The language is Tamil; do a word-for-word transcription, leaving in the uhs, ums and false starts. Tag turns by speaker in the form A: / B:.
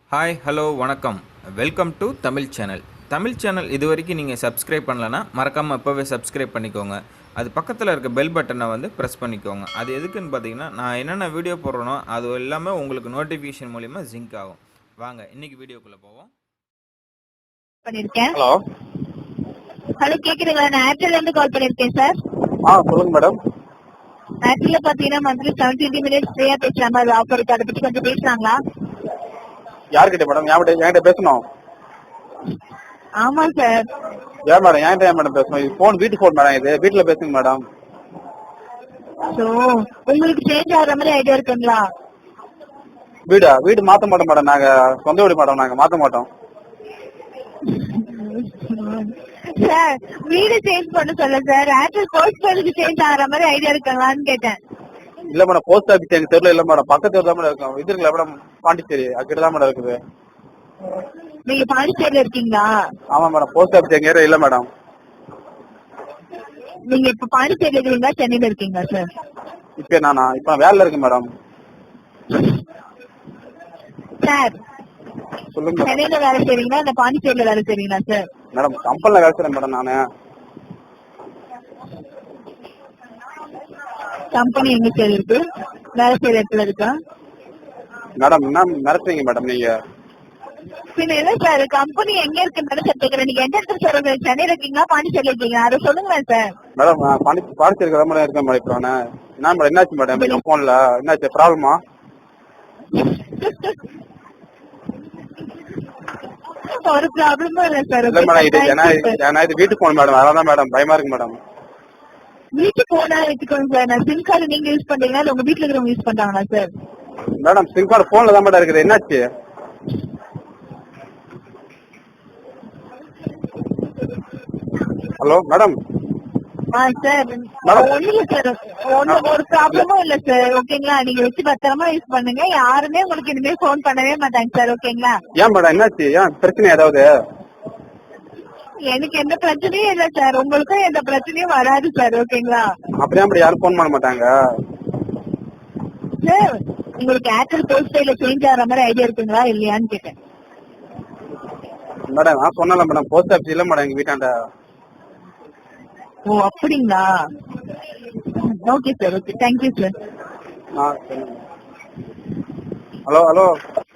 A: ஹாய் ஹலோ வணக்கம். Welcome to Tamil channel. Tamil channel இது வரைக்கும் நீங்கள் சப்ஸ்கிரைப் பண்ணலன்னா மறக்காமல் இப்போவே சப்ஸ்கிரைப் பண்ணிக்கோங்க. அது பக்கத்தில் இருக்க பெல் பட்டனை வந்து ப்ரெஸ் பண்ணிக்கோங்க. அது எதுக்குன்னு பார்த்தீங்கன்னா நான் என்னென்ன வீடியோ போடுறேனோ அது எல்லாமே உங்களுக்கு நோட்டிஃபிகேஷன் மூலிமா ஜிங்க் ஆகும். வாங்க இன்னைக்கு வீடியோக்குள்ளே போவோம்.
B: பண்ணிருக்கேன்.
C: ஹலோ
B: ஹலோ கேக்குதுங்களா? நான் ஏர்டெல்ல இருந்து கால் பண்ணிருக்கேன் சார்.
C: ஆ சொல்லுங்க மேடம்.
B: ஏர்டெல்ல பாத்தீங்கன்னா மந்த்லி செவன்டி மினிட்ஸ் ஃப்ரீயா பேசலாமா? அது ஆஃபர் இருக்கு, அதை பத்தி கொஞ்சம் பேசலாங்களா?
C: யார்கிட்ட மேடம்? என்கிட்ட என்கிட்ட பேசணும்.
B: ஆமா சார்.
C: ஏன் மேடம் என்கிட்ட ஏன் மேடம் பேசணும்? இது போன் வீட்டு போன் மேடம், இது வீட்டுல பேசுங்க மேடம்.
B: சோ உங்களுக்கு சேஞ்ச் ஆகுற மாதிரி ஐடியா இருக்குங்களா?
C: வீடா? வீடு மாத்த மாட்டோம் மேடம், நாங்க சொந்த வீடு மேடம், நாங்க மாத்த மாட்டோம்.
B: சார் வீடு சேஞ்ச் பண்ண சொல்ல சார், ஏர்டெல் போஸ்ட் பேருக்கு சேஞ்ச் ஆகுற மாதிரி ஐடியா இருக்குங்களான்னு கேட்டேன்.
C: இல்ல மேடம், போஸ்ட் ஆபீஸ் எங்க தெருல இல்ல மேடம், பக்கத்து தெருல தான் மேடம் இருக்கும். இது இருக்குல்ல மேடம், பாண்டிச்சேரி அங்கிட்ட தான் மேடம் இருக்குது.
B: நீங்க பாண்டிச்சேரியில இருக்கீங்களா?
C: ஆமா மேடம், போஸ்ட் ஆபீஸ் எங்க ஏரியா இல்ல மேடம்.
B: நீங்க இப்ப பாண்டிச்சேரியில இருக்கீங்களா சென்னையில இருக்கீங்களா சார்?
C: இப்ப நானா இப்ப நான் வேலையில இருக்கேன் மேடம்.
B: சார்
C: சொல்லுங்க மேடம்.
B: சென்னையில வேலை செய்றீங்களா இல்ல பாண்டிச்சேரியில வேலை செய்றீங்களா சார்?
C: மேடம் கம்பெனில வேலை செய்றேன் மேடம் நானு.
B: கம்பெனி எங்க சார் இருக்கு? வேலை செய்யற இடத்துல இருக்கா?
C: மேடம் என்ன மிரட்டுறீங்க மேடம் நீங்க?
B: பின்ன இல்ல சார், கம்பெனி எங்க இருக்குன்னு சார் கேக்குறேன். நீங்க எந்த இடத்துல சார் இருக்கீங்க? சென்னையில இருக்கீங்களா பாண்டிச்சேரியில இருக்கீங்களா? அதை சொல்லுங்களேன் சார்.
C: மேடம் நான் பாண்டி பாண்டிச்சேரி தான் மேடம் இருக்கேன் மேடம். இப்போ நான் என்ன மேடம் என்னாச்சு மேடம்? என் போன்ல என்னாச்சு ப்ராப்ளமா?
B: ஒரு ப்ராப்ளமும் இல்ல சார்.
C: இல்ல மேடம், இது ஏன்னா ஏன்னா இது வீட்டு போன் மேடம், அதான் மேடம் பயமா இருக்கு மேடம்.
B: வீட்டுக்கு போனா வச்சுக்கோங்க சார். நான் சிம் கார்டு நீங்க யூஸ் பண்றீங்களா இல்ல உங்க வீட்டுல இருக்கிறவங்க யூஸ் பண்றாங்களா சார்?
C: மேடம் சிம் கார்டு போன்ல தான் மேடம் இருக்குது, என்னாச்சு? Hello madam.
B: ஆ சார் ஒண்ணு இல்ல சார், ஒண்ணு ஒரு ப்ராப்ளமும் இல்ல சார். ஓகேங்களா? நீங்க வச்சு பத்திரமா யூஸ் பண்ணுங்க. யாருமே உங்களுக்கு இனிமே போன் பண்ணவே மாட்டாங்க சார். ஓகேங்களா?
C: ஏன் மேடம் என்னாச்சு? ஏன் பிரச்சனை ஏதாவது?
B: எனக்கு எந்த பிரச்சனையும் இல்ல சார், உங்களுக்கும் எந்த பிரச்சனையும் வராது சார். ஓகேங்களா?
C: அப்படியே அப்படி யாரும் போன் பண்ண மாட்டாங்க
B: சார் உங்களுக்கு ஏர்டெல் போஸ்ட் பேல சேஞ்ச் ஆகிற மாதிரி ஐடியா இருக்குங்களா இல்லையான்னு கேட்டேன்.
C: மேடம். நான் சொன்னல மேடம், போஸ்ட் ஆபீஸ் இல்ல மேடம் எங்க வீட்டாண்ட.
B: ஓ அப்படிங்களா? Okay sir. Okay, thank you sir.
C: Hello hello